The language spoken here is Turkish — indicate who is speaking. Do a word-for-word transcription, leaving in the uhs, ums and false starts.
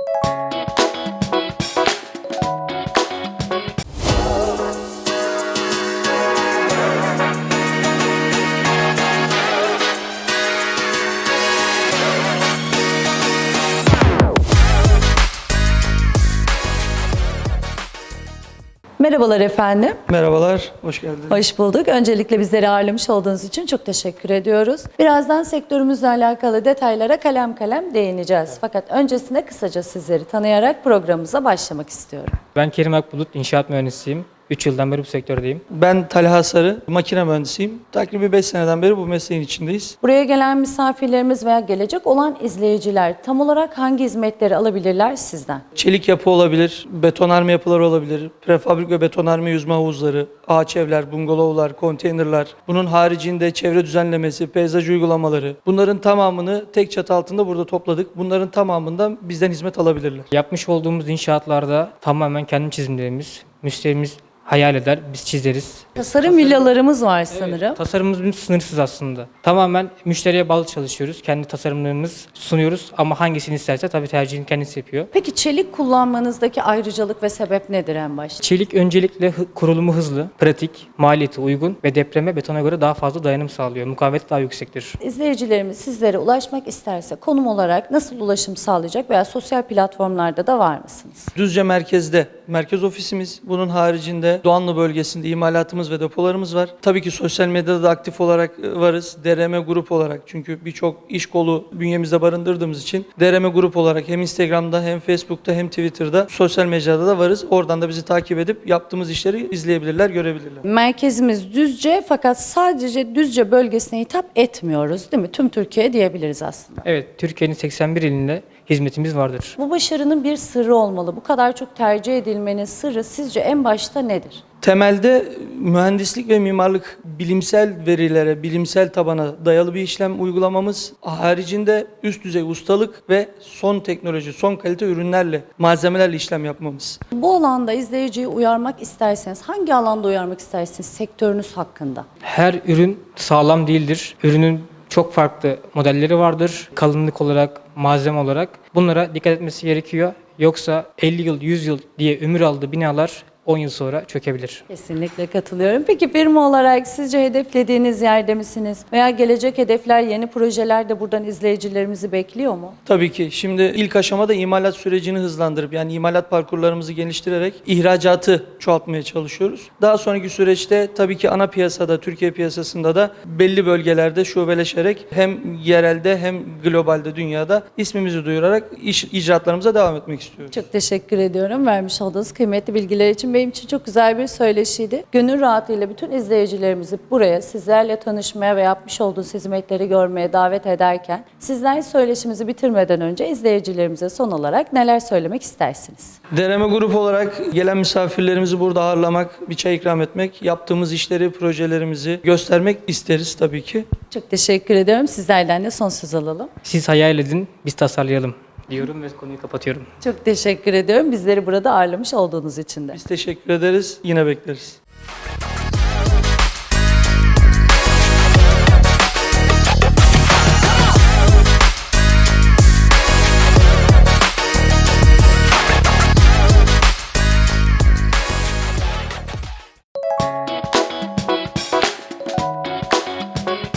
Speaker 1: Merhabalar efendim.
Speaker 2: Merhabalar, hoş geldiniz.
Speaker 1: Hoş bulduk. Öncelikle bizleri ağırlamış olduğunuz için çok teşekkür ediyoruz. Birazdan sektörümüzle alakalı detaylara kalem kalem değineceğiz. Fakat öncesinde kısaca sizleri tanıyarak programımıza başlamak istiyorum.
Speaker 3: Ben Kerim Akbulut, inşaat mühendisiyim. üç yıldan beri bu sektördeyim.
Speaker 2: Ben Talha Sarı, makine mühendisiyim. Takribi beş seneden beri bu mesleğin içindeyiz.
Speaker 1: Buraya gelen misafirlerimiz veya gelecek olan izleyiciler tam olarak hangi hizmetleri alabilirler sizden?
Speaker 2: Çelik yapı olabilir, betonarme yapıları olabilir, prefabrik ve betonarme yüzme havuzları, ağaç evler, bungalovlar, konteynerler. Bunun haricinde çevre düzenlemesi, peyzaj uygulamaları. Bunların tamamını tek çatı altında burada topladık. Bunların tamamından bizden hizmet alabilirler.
Speaker 3: Yapmış olduğumuz inşaatlarda tamamen kendi çizimlerimiz, müşterimiz hayal eder, biz çizeriz.
Speaker 1: Tasarım villalarımız var sanırım.
Speaker 3: Tasarımımız sınırsız aslında. Tamamen müşteriye bağlı çalışıyoruz. Kendi tasarımlarımız sunuyoruz ama hangisini isterse tabii tercihini kendisi yapıyor.
Speaker 1: Peki çelik kullanmanızdaki ayrıcalık ve sebep nedir en başta?
Speaker 3: Çelik öncelikle hı- kurulumu hızlı, pratik, maliyeti uygun ve depreme betona göre daha fazla dayanım sağlıyor. Mukavemeti daha yüksektir.
Speaker 1: İzleyicilerimiz sizlere ulaşmak isterse konum olarak nasıl ulaşım sağlayacak veya sosyal platformlarda da var mısınız?
Speaker 2: Düzce merkezde merkez ofisimiz. Bunun haricinde Doğanlı bölgesinde imalatımız ve depolarımız var. Tabii ki sosyal medyada da aktif olarak varız. D R M Grup olarak, çünkü birçok iş kolu bünyemizde barındırdığımız için D R M Grup olarak hem Instagram'da hem Facebook'ta hem Twitter'da sosyal mecrada da varız. Oradan da bizi takip edip yaptığımız işleri izleyebilirler, görebilirler.
Speaker 1: Merkezimiz Düzce fakat sadece Düzce bölgesine hitap etmiyoruz değil mi? Tüm Türkiye diyebiliriz aslında.
Speaker 3: Evet, Türkiye'nin seksen bir ilinde hizmetimiz vardır.
Speaker 1: Bu başarının bir sırrı olmalı. Bu kadar çok tercih edilmenin sırrı sizce en başta nedir?
Speaker 2: Temelde mühendislik ve mimarlık bilimsel verilere, bilimsel tabana dayalı bir işlem uygulamamız, haricinde üst düzey ustalık ve son teknoloji, son kalite ürünlerle, malzemelerle işlem yapmamız.
Speaker 1: Bu alanda izleyiciyi uyarmak isterseniz hangi alanda uyarmak istersiniz sektörünüz hakkında?
Speaker 3: Her ürün sağlam değildir. Ürünün çok farklı modelleri vardır. Kalınlık olarak, malzeme olarak. Bunlara dikkat etmesi gerekiyor. Yoksa elli yıl, yüz yıl diye ömür aldığı binalar on yıl sonra çökebilir.
Speaker 1: Kesinlikle katılıyorum. Peki firma olarak sizce hedeflediğiniz yerde misiniz? Veya gelecek hedefler, yeni projeler de buradan izleyicilerimizi bekliyor mu?
Speaker 2: Tabii ki. Şimdi ilk aşamada imalat sürecini hızlandırıp, yani imalat parkurlarımızı geliştirerek ihracatı çoğaltmaya çalışıyoruz. Daha sonraki süreçte tabii ki ana piyasada, Türkiye piyasasında da belli bölgelerde şubeleşerek hem yerelde hem globalde, dünyada ismimizi duyurarak iş, icraatlarımıza devam etmek istiyoruz.
Speaker 1: Çok teşekkür ediyorum vermiş olduğunuz kıymetli bilgiler için. Benim için çok güzel bir söyleşiydi. Gönül rahatlığıyla bütün izleyicilerimizi buraya sizlerle tanışmaya ve yapmış olduğunuz hizmetleri görmeye davet ederken sizler söyleşimizi bitirmeden önce izleyicilerimize son olarak neler söylemek istersiniz?
Speaker 2: D R M Grup olarak gelen misafirlerimizi burada ağırlamak, bir çay ikram etmek, yaptığımız işleri, projelerimizi göstermek isteriz tabii ki.
Speaker 1: Çok teşekkür ediyorum. Sizlerden de son söz alalım.
Speaker 3: Siz hayal edin, biz tasarlayalım diyorum ve konuyu kapatıyorum.
Speaker 1: Çok teşekkür ediyorum. Bizleri burada ağırlamış olduğunuz için de.
Speaker 2: Biz teşekkür ederiz, yine bekleriz.